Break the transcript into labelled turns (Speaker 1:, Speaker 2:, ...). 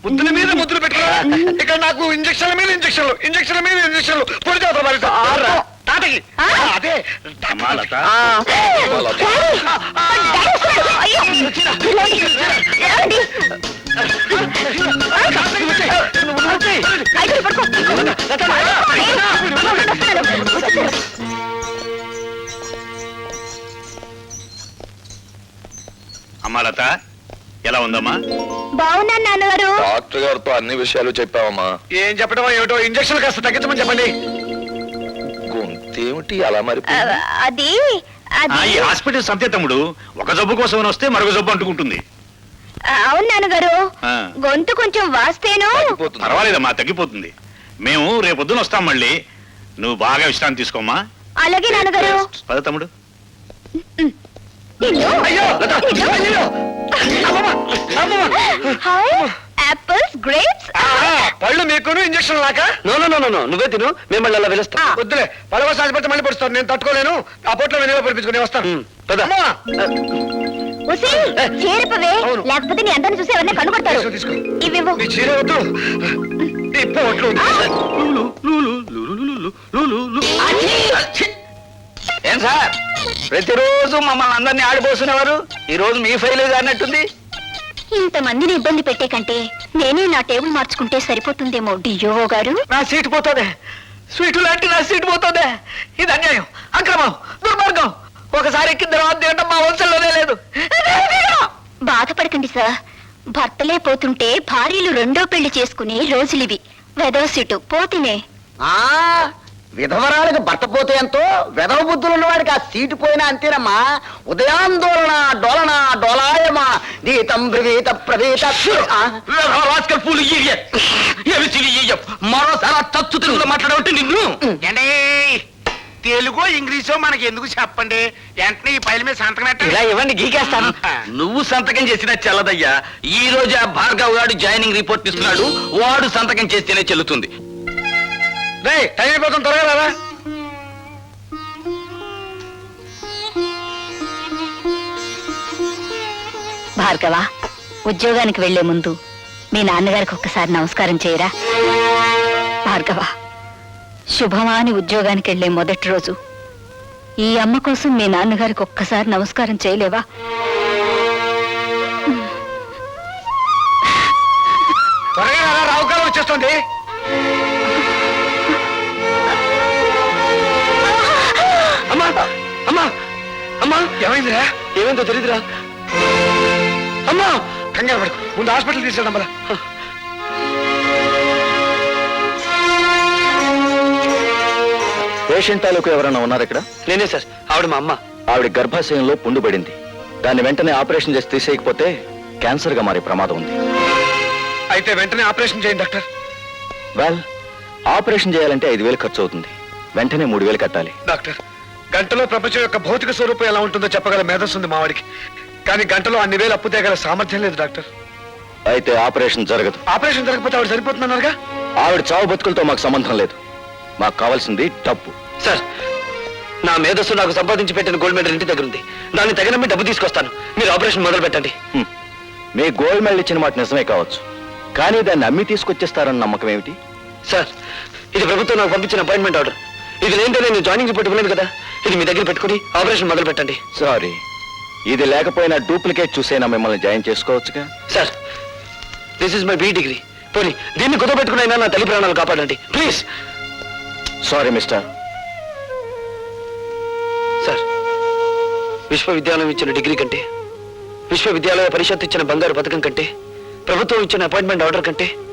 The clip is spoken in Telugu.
Speaker 1: ముద్దుల మీద ముద్దులు పెట్టుకో. ఇక్కడ నాకు ఇంజక్షన్ల మీద ఇంజక్షన్లు పొడి చేద్దాం తాతకి. అదే
Speaker 2: అమ్మాలత అమ్మాలత ఎలా ఉందమ్మా?
Speaker 3: బాగున్నాను నాన్నగారు.
Speaker 4: డాక్టర్ గారితో అన్ని విషయాలు చెప్పావమ్మా.
Speaker 1: ఏం చెప్పడం ఏమిటో ఇంజక్షన్ కాస్త తగ్గించమని చెప్పండి.
Speaker 4: గొంతేమిటి అలా మరి?
Speaker 3: అది
Speaker 2: ఈ హాస్పిటల్ సంతే తమ్ముడు, ఒక జబ్బు కోసం వస్తే మరొక జబ్బు అంటుకుంటుంది.
Speaker 3: అవును నాన్నగారు, గొంతు కొంచెం వాస్తేను.
Speaker 2: పర్వాలేదమ్మా, తగ్గిపోతుంది. మేము రేపొద్దున వస్తాం మళ్ళీ. నువ్వు బాగా విశ్రాంతి తీసుకోమ్మా.
Speaker 3: అలాగే నాన్నగారు.
Speaker 2: పద తమ్ముడు.
Speaker 3: Apples, grapes.
Speaker 1: పళ్ళు మీకును ఇంజక్షన్ లాక.
Speaker 5: నో నువ్వే తిను, మిమ్మల్ని అలా పిలుస్తా.
Speaker 1: వద్దులే, పడవ సాగిపోతే మళ్ళీ పడుస్తాను. నేను తట్టుకోలేను. ఆ పొట్లో వెనుక పడిపించుకుని వస్తాను.
Speaker 3: చేరిపవే, లేకపోతే నీ అందరిని చూసి ఎవరిని కనుగొడతారు.
Speaker 1: తీసుకో.
Speaker 3: ఇవివ్వు.
Speaker 1: నీ చీర వద్దు, నీ పొట్లు.
Speaker 5: ఏం సార్, ప్రతిరోజు మమ్మల్ని అందరినీ ఆడిపోస్తున్నవారు ఈ రోజు మీ ఫైల్ అన్నట్టుంది.
Speaker 3: ఇంతమందిని ఇబ్బంది పెట్టే కంటే నేనే నా టేబుల్ మార్చుకుంటే సరిపోతుందేమో డియో గారు.
Speaker 5: నా సీటు పోతుంది, స్వీటు లాంటి నా సీటు పోతుంది. ఇది అన్యాయం, అక్రమం, దుర్మార్గం. ఒకసారి ఎక్కిన తర్వాత తినడం మా వంశంలోనే లేదు.
Speaker 3: బాధపడకండి సార్, భర్తలే పోతుంటే భార్యలు రెండో పెళ్లి చేసుకునే రోజులివి. వెదవ సీటు పోతేనే.
Speaker 5: విధవరాలకు భర్త పోతే ఎంతో, వెధవ బుద్ధులు ఉన్నవాడికి ఆ సీటు పోయినా అంతేనమ్మా. ఉదయాందోళన డోలన డోలాయమా గీతం బ్రవీత ప్రవీత. మరోసారి తచ్చు తెలుగులో మాట్లాడబట్టి నిన్ను.
Speaker 6: తెలుగో ఇంగ్లీషో మనకి ఎందుకు చెప్పండి, వెంటనే ఈ పైల మీద సంతకం పెట్టండి.
Speaker 5: ఇలా ఇవ్వండి, గీకేస్తాను. నువ్వు సంతకం చేసినా చెల్లదయ్యా. ఈ రోజు ఆ భార్గవ్ గారు జాయినింగ్ రిపోర్ట్ ఇస్తున్నాడు, వాడు సంతకం చేస్తేనే చెల్లుతుంది.
Speaker 1: రే, టైం అయిపోతుంది, త్వరగా రారా.
Speaker 3: భార్గవ, ఉద్యోగానికి వెళ్లే ముందు మీ నాన్నగారికి ఒక్కసారి నమస్కారం చేయరా. భార్గవ, శుభమా అని ఉద్యోగానికి వెళ్లే మొదటి రోజు ఈ అమ్మ కోసం మీ నాన్నగారికి ఒక్కసారి నమస్కారం చేయలేవా?
Speaker 1: త్వరగా రారా, రావుకాలం వచ్చేస్తుంది.
Speaker 5: అమ్మా అమ్మా అమ్మా,
Speaker 1: ఏమైందిరా?
Speaker 5: ఏమైందో తెలీదురా. అమ్మా,
Speaker 1: కంగారు పడు, ముందు హాస్పిటల్ తీసుకెళ్దాం మళ్ళా.
Speaker 4: పేషెంట్ తాలూకు ఎవరైనా ఉన్నారు ఇక్కడ?
Speaker 5: నేనే సార్, ఆవిడ మా అమ్మ.
Speaker 4: ఆవిడ గర్భాశయంలో పుండు పడింది. దాన్ని వెంటనే ఆపరేషన్ చేసి తీసేయకపోతే క్యాన్సర్ గా మారే ప్రమాదం ఉంది.
Speaker 1: అయితే వెంటనే ఆపరేషన్ చేయండి డాక్టర్.
Speaker 4: వెల్, ఆపరేషన్ చేయాలంటే 5,000 ఖర్చు అవుతుంది. వెంటనే 3,000 కట్టాలి.
Speaker 1: డాక్టర్, గంటలో ప్రపంచం యొక్క భౌతిక స్వరూపం ఎలా ఉంటుందో చెప్పగల మేధస్సు ఉంది మావాడికి. కానీ గంటలో అన్ని వేలు అప్పు తేగల సామర్థ్యం లేదు డాక్టర్.
Speaker 4: అయితే ఆపరేషన్ జరగదు.
Speaker 1: ఆపరేషన్ జరగకపోతే ఆవిడ సరిపోతున్నారుగా.
Speaker 4: ఆవిడ చావు బతుకులతో మాకు సంబంధం లేదు. మాకు కావాల్సింది డబ్బు.
Speaker 5: సార్, నా మేధస్సు నాకు సంపాదించి పెట్టిన గోల్డ్ మెడల్ ఇంటి దగ్గర ఉంది. దాన్ని తగినమ్మి డబ్బు తీసుకొస్తాను. మీరు ఆపరేషన్ మొదలు పెట్టండి.
Speaker 4: మీ గోల్డ్ మెడల్ ఇచ్చిన మాట నిజమే కావచ్చు, కానీ దాన్ని అమ్మి తీసుకొచ్చేస్తారన్న నమ్మకం ఏమిటి?
Speaker 5: సార్, ఇది ప్రభుత్వం నాకు పంపించిన అపాయింట్మెంట్ ఆర్డర్. ఇది లేదంటే నేను జాయినింగ్ రిపోర్ట్ ఇవ్వలేదు కదా. ఇది మీ దగ్గర పెట్టుకుని ఆపరేషన్ మొదలు పెట్టండి.
Speaker 4: సారీ, ఇది లేకపోయినా డూప్లికేట్ చూసైనా మిమ్మల్ని జాయిన్ చేసుకోవచ్చుగా.
Speaker 5: Sir, this is my B degree. పోనీ దీన్ని కుదపెట్టుకునైనా నా తల్లి ప్రాణాలు కాపాడండి ప్లీజ్.
Speaker 4: Sorry mister.
Speaker 5: సార్, విశ్వవిద్యాలయం ఇచ్చిన డిగ్రీ కంటే, విశ్వవిద్యాలయ పరిషత్ ఇచ్చిన బంగారు పథకం కంటే, ప్రభుత్వం ఇచ్చిన అపాయింట్మెంట్ ఆర్డర్ కంటే